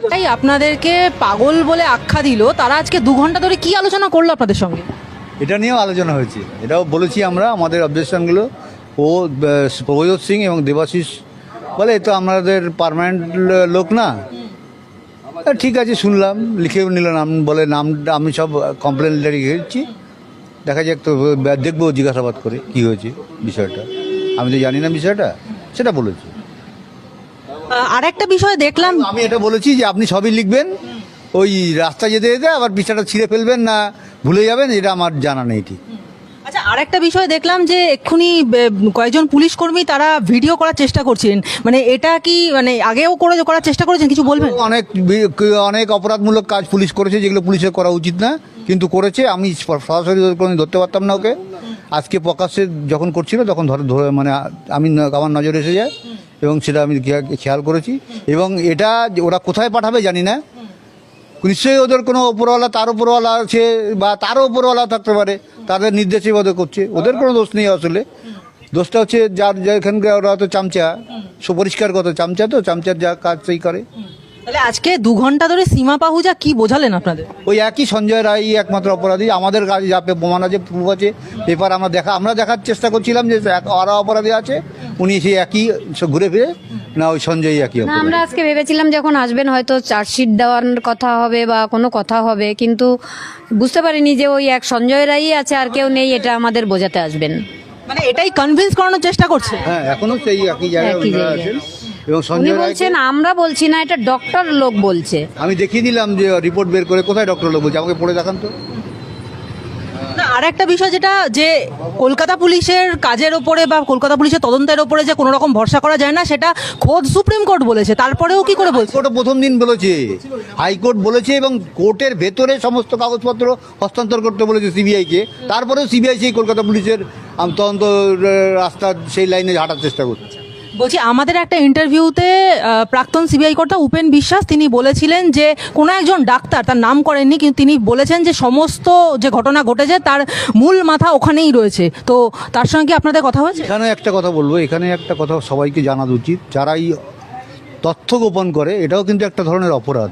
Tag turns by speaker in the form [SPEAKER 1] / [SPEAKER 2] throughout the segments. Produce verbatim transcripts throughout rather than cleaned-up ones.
[SPEAKER 1] তাই আপনাদেরকে পাগল বলে আখ্যা দিল, তারা আজকে দু ঘন্টা ধরে কি আলোচনা করলো আপনাদের সঙ্গে?
[SPEAKER 2] এটা নিয়েও আলোচনা হয়েছে, এটাও বলেছি আমরা আমাদের অবজেকশনগুলো। ও প্রভজোৎ সিং এবং দেবাশিস বলে এ তো আমাদের পার্মানেন্ট লোক না। ঠিক আছে, শুনলাম, লিখেও নিল নাম, বলে নামটা আমি সব কমপ্লেন লিখে দিচ্ছি, দেখা যাক তো, দেখবো জিজ্ঞাসাবাদ করে কি হয়েছে বিষয়টা। আমি তো জানি না বিষয়টা, সেটা বলেছি।
[SPEAKER 1] আর একটা বিষয় দেখলাম,
[SPEAKER 2] আমি এটা বলেছি যে আপনি সবই লিখবেন, ওই রাস্তা যেতে যেতে আবার বিষয়টা ছিঁড়ে ফেলবেন না, ভুলে যাবেন, এটা আমার জানা নেই ঠিক।
[SPEAKER 1] আচ্ছা আর একটা বিষয় দেখলাম যে এক্ষুনি কয়েকজন পুলিশ কর্মী তারা ভিডিও করার চেষ্টা করছেন, মানে এটা কি মানে আগেও করে করার চেষ্টা করেছেন, কিছু বলবেন?
[SPEAKER 2] অনেক অনেক অপরাধমূলক কাজ পুলিশ করেছে যেগুলো পুলিশের করা উচিত না, কিন্তু করেছে। আমি সরাসরি কোনো ধরতে পারতাম না ওকে, আজকে প্রকাশ্যে যখন করছিল তখন ধরে ধরে মানে আমি আমার নজরে এসে যায় এবং সেটা আমি খেয়াল করেছি। এবং এটা ওরা কোথায় পাঠাবে জানি না, নিশ্চয়ই ওদের কোনো ওপরওয়ালা, তার ওপরওয়ালা আছে বা তারও ওপরওয়ালা থাকতে পারে, তাদের নির্দেশে ওদের করছে, ওদের কোনো দোষ নেই আসলে। দোষটা হচ্ছে যার যেখানকার ওরা তো চামচা, সুপরিষ্কার কত চামচা, তো চামচার যা কাজ সেই করে।
[SPEAKER 1] তাহলে আজকে দু ঘন্টা ধরে সীমা পাহুজা কি বোঝালেন আপনাদের?
[SPEAKER 2] ওই একই সঞ্জয় রায় একমাত্র অপরাধী, আমাদের কাছে যা প্রমাণ আছে, প্রুফ আছে, পেপার আমরা দেখা আমরা দেখার চেষ্টা করছিলাম যে ওরা অপরাধী আছে, উনি সেই একই ঘুরে ফিরে না ওই সঞ্জয় একই
[SPEAKER 3] না,
[SPEAKER 2] অপরাধী।
[SPEAKER 3] আমরা আজকে ভেবেছিলাম যখন আসবেন হয়তো চার্জশিট দেওয়ার কথা হবে বা কোনো কথা হবে, কিন্তু বুঝতে পারিনি যে ওই এক সঞ্জয় রায়ই আছে, আর কেউ নেই, এটা আমাদের বোঝাতে আসবেন।
[SPEAKER 1] মানে এটাই কনভিন্স করানোর চেষ্টা করছে।
[SPEAKER 2] হ্যাঁ, এখনো সেই একই জায়গায়
[SPEAKER 3] একই
[SPEAKER 2] ওনারা
[SPEAKER 3] জায়গায়।
[SPEAKER 2] আছেন এবং
[SPEAKER 3] উনি
[SPEAKER 2] সঞ্জয় রায়,
[SPEAKER 3] বলছেন, আমরা বলছি না, এটা ডক্টর লোক বলছে।
[SPEAKER 2] আমি দেখিয়ে দিলাম যে রিপোর্ট বের করে, কোথায় ডক্টর লোক বলছে, আমাকে পড়ে দেখান তো।
[SPEAKER 1] না আর একটা বিষয় যেটা, যে কলকাতা পুলিশের কাজের ওপরে বা কলকাতা পুলিশের তদন্তের ওপরে যে কোনো রকম ভরসা করা যায় না, সেটা খোদ সুপ্রিম কোর্ট বলেছে, তারপরেও কি করে বলছে?
[SPEAKER 2] হাইকোর্ট প্রথম দিন বলেছে, হাইকোর্ট বলেছে এবং কোর্টের ভেতরে সমস্ত কাগজপত্র হস্তান্তর করতে বলেছে সিবিআইকে, তারপরেও সিবিআই সেই কলকাতা পুলিশের আম, তদন্ত আহ, রাস্তা সেই লাইনে হাঁটার চেষ্টা করছে।
[SPEAKER 1] বলছি আমাদের একটা ইন্টারভিউতে প্রাক্তন সিবিআই কর্তা উপেন বিশ্বাস তিনি বলেছিলেন যে কোনো একজন ডাক্তার, তার নাম করেননি, কিন্তু তিনি বলেছেন যে সমস্ত যে ঘটনা ঘটেছে তার মূল মাথা ওখানেই রয়েছে। তো তার সঙ্গে কি আপনাদের কথা হয়েছে?
[SPEAKER 2] এখানে একটা কথা বলবো, এখানে একটা কথা সবাইকে জানা উচিত, যারা এই তথ্য গোপন করে এটাও কিন্তু একটা ধরনের অপরাধ।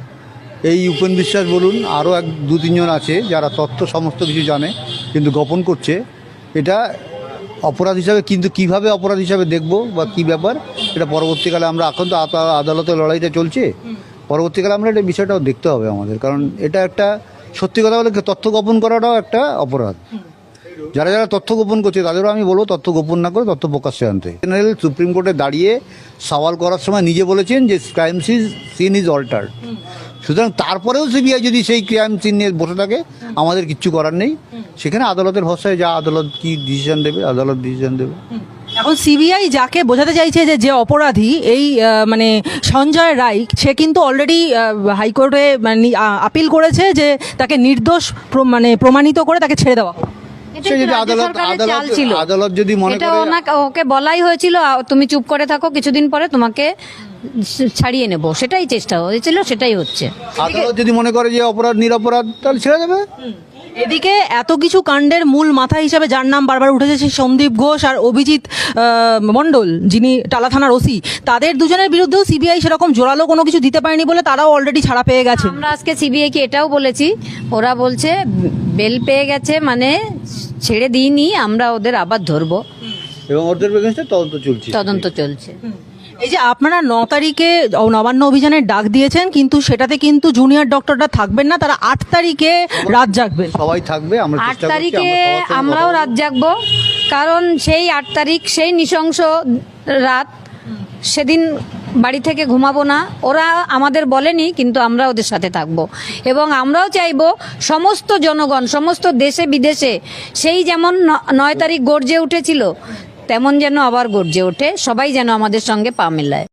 [SPEAKER 2] এই উপেন বিশ্বাস বলুন, আরও এক দু তিনজন আছে যারা তথ্য সমস্ত কিছু জানে কিন্তু গোপন করছে, এটা অপরাধ হিসাবে, কিন্তু কিভাবে অপরাধ হিসাবে দেখব বা কী ব্যাপার, এটা পরবর্তীকালে আমরা, এখন তো আদালতের লড়াইটা চলছে, পরবর্তীকালে আমরা এটা বিষয়টাও দেখতে হবে আমাদের, কারণ এটা একটা সত্যি কথা বলে তথ্য গোপন করাটাও একটা অপরাধ। যারা যারা তথ্য গোপন করছে তাদেরও আমি বলবো তথ্য গোপন না করে তথ্য প্রকাশ্যে আনতে। জেনারেল সুপ্রিম কোর্টে দাঁড়িয়ে সওয়াল করার সময় নিজে বলেছেন যে ক্রাইম সিন ইজ অল্টার্ড, সুতরাং তারপরেও সিবিআই যদি সেই ক্রাইম সিন নিয়ে বসে থাকে আমাদের কিচ্ছু করার নেই, সেখানে আদালতের ভরসায় যা আদালত কি ডিসিশন দেবে, আদালত ডিসিশন দেবে।
[SPEAKER 1] এখন সিবিআই যাকে বোঝাতে চাইছে যে যে অপরাধী এই আহ, মানে সঞ্জয় রায়, সে কিন্তু অলরেডি হাইকোর্টে মানে আপিল করেছে যে তাকে নির্দোষ প্র- মানে প্রমাণিত করে তাকে ছেড়ে দেওয়া হোক।
[SPEAKER 3] এটা
[SPEAKER 2] সে যদি
[SPEAKER 3] রাজ্য
[SPEAKER 2] আদালত
[SPEAKER 3] সরকারের চাল
[SPEAKER 2] আদালত
[SPEAKER 3] ছিল।
[SPEAKER 2] আদালত যদি মনে
[SPEAKER 3] এটা
[SPEAKER 2] করে,
[SPEAKER 3] ওনাকে ওকে বলাই হয়েছিল, আ, তুমি চুপ করে থাকো, কিছুদিন পরে তোমাকে ছাড়িয়ে নেব, সেটাই চেষ্টা হয়েছিল, সেটাই হচ্ছে।
[SPEAKER 2] আদালত যদি মনে করে যে অপরাধ নিরপরাধ, তাহলে ছেড়ে দেবে।
[SPEAKER 1] এদিকে এত কিছু কাণ্ডের মূল মাথা হিসাবে যার নাম বারবার উঠেছে সেই সন্দীপ ঘোষ আর অভিজিৎ আহ, মণ্ডল, যিনি টালা থানার ওসি, তাদের দুজনের বিরুদ্ধেও সিবিআই সেরকম জোরালো কোনো কিছু দিতে পারেনি বলে তারাও অলরেডি ছাড়া পেয়ে গেছে।
[SPEAKER 3] আমরা আজকে সিবিআই কে এটাও বলেছি, ওরা বলছে বেল পেয়ে গেছে, মানে ছেড়ে দিইনি, আমরা ওদের আবার ধরবো,
[SPEAKER 2] এবং ওদের এগেইনস্টে তদন্ত চলছে
[SPEAKER 3] তদন্ত চলছে।
[SPEAKER 1] এই যে আপনারা ন তারিখে নবান্ন অভিযানের ডাক দিয়েছেন, কিন্তু সেটাতে কিন্তু জুনিয়র ডক্টররা থাকবেন না, তারা আট তারিখে রাত জাগবেন।
[SPEAKER 2] সবাই থাকবে, আমরা
[SPEAKER 3] আট
[SPEAKER 2] চেষ্টা করছি,
[SPEAKER 3] তারিখে
[SPEAKER 2] আমরা সবার সঙ্গে
[SPEAKER 3] আমরাও
[SPEAKER 2] কথা
[SPEAKER 3] রাত জাগবো, কারণ সেই আট তারিখ সেই নৃশংস রাত, সেদিন বাড়ি থেকে ঘুমাবো না। ওরা আমাদের বলেনি, কিন্তু আমরা ওদের সাথে থাকবো এবং আমরাও চাইবো সমস্ত জনগণ, সমস্ত দেশে বিদেশে সেই যেমন ন- নয় তারিখ গর্জে উঠেছিল তেমন যেন আবার গর্জে ওঠে, সবাই যেন আমাদের সঙ্গে পা মেলায়।